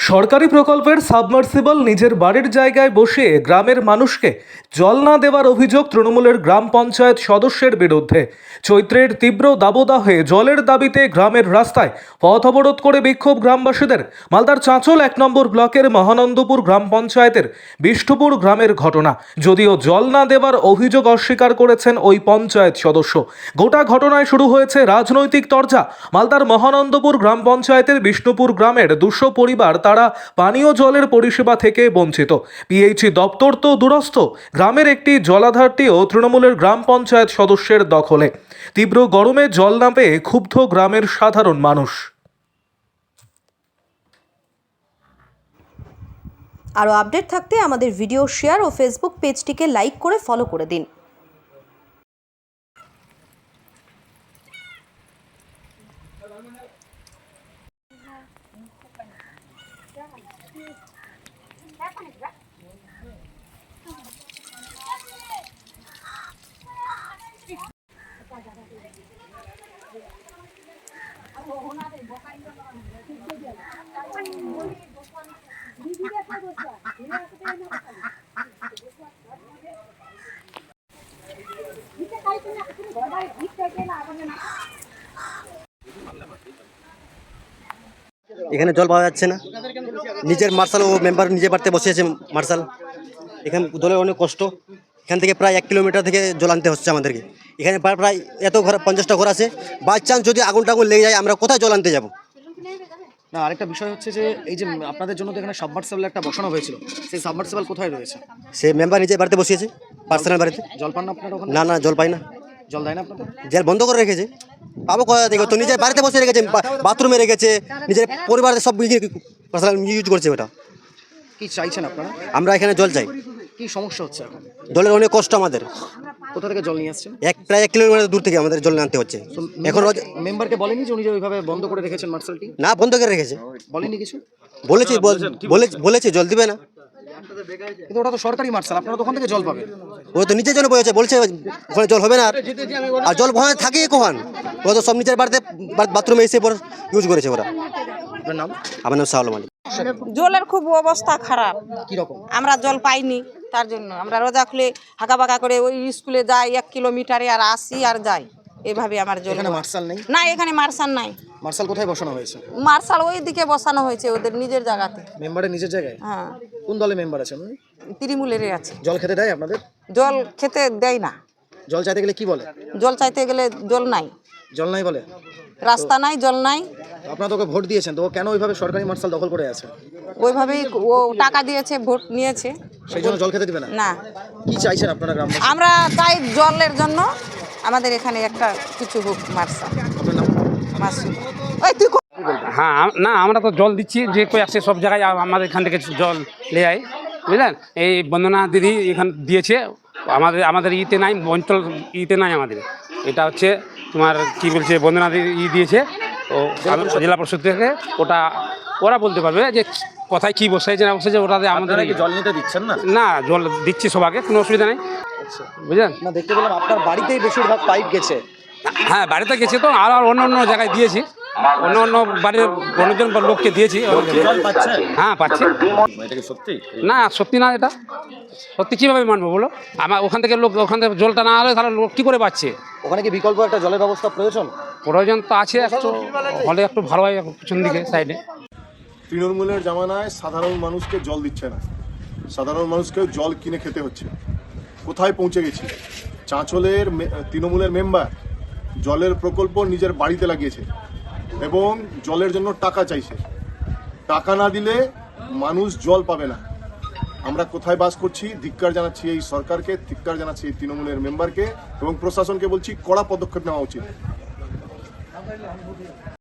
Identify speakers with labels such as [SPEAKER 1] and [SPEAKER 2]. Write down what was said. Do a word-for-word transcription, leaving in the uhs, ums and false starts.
[SPEAKER 1] সরকারি প্রকল্পের সাবমার্সিবল নিজের বাড়ির জায়গায় বসিয়ে গ্রামের মানুষকে জল না দেওয়ার অভিযোগ তৃণমূলের গ্রাম পঞ্চায়েত সদস্যের বিরুদ্ধে। চৈত্রের তীব্র দাবদাহে জলের দাবিতে গ্রামের রাস্তায় পথ অবরোধ করে বিক্ষোভ গ্রামবাসীদের। মালদার চাঁচল এক নম্বর ব্লকের মহানন্দপুর গ্রাম পঞ্চায়েতের বিষ্ণুপুর গ্রামের ঘটনা। যদিও জল না দেওয়ার অভিযোগ অস্বীকার করেছেন ওই পঞ্চায়েত সদস্য। গোটা ঘটনায় শুরু হয়েছে রাজনৈতিক তরজা। মালদার মহানন্দপুর গ্রাম পঞ্চায়েতের বিষ্ণুপুর গ্রামের দুশো পরিবার তারা পানীয় জলের পরিষেবা থেকে বঞ্চিত। পিএইচই দপ্তর তো দূরস্থ, গ্রামের একটি জলাধারটিও তৃণমূলের গ্রাম পঞ্চায়েত সদস্যের দখলে। তীব্র গরমে জল না পেয়ে ক্ষুব্ধ গ্রামের সাধারণ মানুষ।
[SPEAKER 2] আরও আপডেট থাকতে আমাদের ভিডিও শেয়ার ও ফেসবুক পেজটিকে লাইক করে ফলো করে দিন।
[SPEAKER 3] এখানে জল পাওয়া যাচ্ছে না। নিজের মার্শাল ও মেম্বার নিজে বাড়তে বসেছে মার্শাল। এখানে জলের অনেক কষ্ট। এখান থেকে প্রায় এক কিলোমিটার থেকে জল আনতে হচ্ছে আমাদেরকে। এখানে প্রায় এত ঘর পঞ্চাশটা ঘর আছে। বাই চান্স যদি আগুন টাগুন লেগে যায় আমরা কোথায় জল আনতে যাবো?
[SPEAKER 4] না, আরেকটা বিষয় হচ্ছে যে এই যে আপনাদের জন্য তো এখানে সাবমার্সিবল একটা বসানো হয়েছিল, সেই সাবমার্সিবল কোথায় রয়েছে?
[SPEAKER 3] সে মেম্বার নিজে বাড়িতে বসিয়েছে, পার্সোনাল বাড়িতে।
[SPEAKER 4] জল পান না আপনারা ওখানে?
[SPEAKER 3] না না, জল পাই না।
[SPEAKER 4] জল দেয় না আপনাদের?
[SPEAKER 3] জল বন্ধ করে রেখেছে। পাবো কোথা থেকে? তো নিজের বাড়িতে বসে রেখেছে, বাথরুমে রেখেছে, নিজের পরিবারের সব পার্সোনাল ইউজ করছে ওটা।
[SPEAKER 4] কি চাইছেন আপনারা?
[SPEAKER 3] আমরা এখানে জল চাই।
[SPEAKER 4] কি সমস্যা হচ্ছে এখন?
[SPEAKER 3] জলের অনেক কষ্ট আমাদের।
[SPEAKER 4] কোথা থেকে জল নিয়ে আসছেন?
[SPEAKER 3] এক প্রায় এক কিলোমিটার দূর থেকে আমাদের জল আনতে হচ্ছে। এখন
[SPEAKER 4] মেম্বারকে বলেনি যে উনি যে ওইভাবে বন্ধ করে রেখেছেন মার্শালটি?
[SPEAKER 3] না, বন্ধ করে রেখেছে।
[SPEAKER 4] বলেনি কিছু?
[SPEAKER 3] বলেছি বলেছে জল দিবে না।
[SPEAKER 4] কিন্তু ওটা তো সরকারি মার্শাল, আপনারা তো ওখান থেকে জল পাবেন।
[SPEAKER 3] ও তো নিজের জন্য বলেছে, বলছে ওখানে জল হবে না। আর জল ওখানে থাকে কখন? ও তো সব নিজের বাড়িতে বাথরুমে এসে পর ইউজ করেছে ওরা।
[SPEAKER 4] আপনার নাম?
[SPEAKER 3] আমার নাম শাহুল মালিক।
[SPEAKER 5] জলের খুব অবস্থা খারাপ।
[SPEAKER 4] কি রকম?
[SPEAKER 5] আমরা জল পাইনি, তার জন্য আমরা রোজা খুলে হাঁকা বাঁকা করে ওই স্কুলে যাই এক কিলোমিটারে, আর আসি আর যাই, এভাবে আমার জল।
[SPEAKER 4] এখানে মার্শাল নেই?
[SPEAKER 5] না, এখানে মার্শাল নাই।
[SPEAKER 4] মার্শাল কোথায় বসানো হয়েছে?
[SPEAKER 5] মার্শাল ওই দিকে বসানো হয়েছে ওদের নিজের জায়গাতে।
[SPEAKER 4] মেম্বারের নিজের জায়গায়?
[SPEAKER 5] হ্যাঁ।
[SPEAKER 4] কোন দলে মেম্বার আছেন?
[SPEAKER 5] তৃণমূলের আছে।
[SPEAKER 4] জল খেতে দেয় আপনাদের?
[SPEAKER 5] জল খেতে দেয় না।
[SPEAKER 4] জল চাইতে গেলে কি বলে?
[SPEAKER 5] জল চাইতে গেলে জল নাই,
[SPEAKER 4] জল নাই বলে।
[SPEAKER 5] রাস্তা নাই, জল নাই।
[SPEAKER 4] আপনারা তোকে ভোট দিয়েছেন, তো ও কেন ওইভাবে সরকারি মার্শাল দখল করে আছে?
[SPEAKER 5] ওইভাবেই ও টাকা দিয়েছে, ভোট নিয়েছে,
[SPEAKER 4] সেই জন্য জল খেতে দিবে না?
[SPEAKER 5] না।
[SPEAKER 4] কি চাইছেন আপনারা গ্রাম?
[SPEAKER 5] আমরা চাই জলের জন্য আমাদের এখানে একটা কিছু হোক মার্শাল।
[SPEAKER 4] আপনার নাম?
[SPEAKER 5] মাসুদ। ওই তুই
[SPEAKER 6] হ্যাঁ, না আমরা তো জল দিচ্ছি, যে কই আসছে সব জায়গায় আমাদের এখান থেকে জল নিয়ে যায়, বুঝলেন। এই বন্দনা দিদি এখান দিয়েছে, আমাদের আমাদের ইতে নাই, অঞ্চল ইতে নাই আমাদের। এটা হচ্ছে তোমার কি বলছে, বন্দনা দিদি ই দিয়েছে ও জেলা পরিষদ থেকে। ওটা ওরা বলতে পারবে যে কোথায় কী বসাইছে না বসাইছে, ওটাতে আমাদের
[SPEAKER 4] জল নিতে দিচ্ছেন না?
[SPEAKER 6] না, জল দিচ্ছি সবাইকে, কোনো অসুবিধা নেই, বুঝলেন।
[SPEAKER 4] না, দেখতে পেলাম আপনার বাড়িতেই বেশিরভাগ পাইপ গেছে।
[SPEAKER 6] হ্যাঁ, বাড়িতে গেছে তো, আর অন্য অন্য জায়গায় দিয়েছি, অন্য অন্য বাড়ির অন্যজন লোককে দিয়েছি। হ্যাঁ, পাচ্ছি। না, সত্যি না, এটা সত্যি কীভাবে মানবো বলো? আমার ওখান থেকে লোক, ওখান থেকে জলটা না হলে তাহলে লোক কী করে পাচ্ছে?
[SPEAKER 4] ওখানে কি বিকল্প একটা জলের ব্যবস্থা প্রয়োজন?
[SPEAKER 6] প্রয়োজন তো আছে, একটু হলে একটু ভালো হয় পিছন দিকে সাইডে।
[SPEAKER 7] তৃণমূলের জামানায় সাধারণ মানুষকে জল দিচ্ছে না, সাধারণ মানুষকেও জল কিনে খেতে হচ্ছে। কোথায় পৌঁছে গেছি? চাঁচলের তৃণমূলের মেম্বার জলের প্রকল্প নিজের বাড়িতে লাগিয়েছে এবং জলের জন্য টাকা চাইছে। টাকা না দিলে মানুষ জল পাবে না। আমরা কোথায় বাস করছি? ধিক্কার জানাচ্ছি এই সরকারকে, ধিক্কার জানাচ্ছি এই তৃণমূলের মেম্বারকে এবং প্রশাসনকে বলছি কড়া পদক্ষেপ নেওয়া উচিত।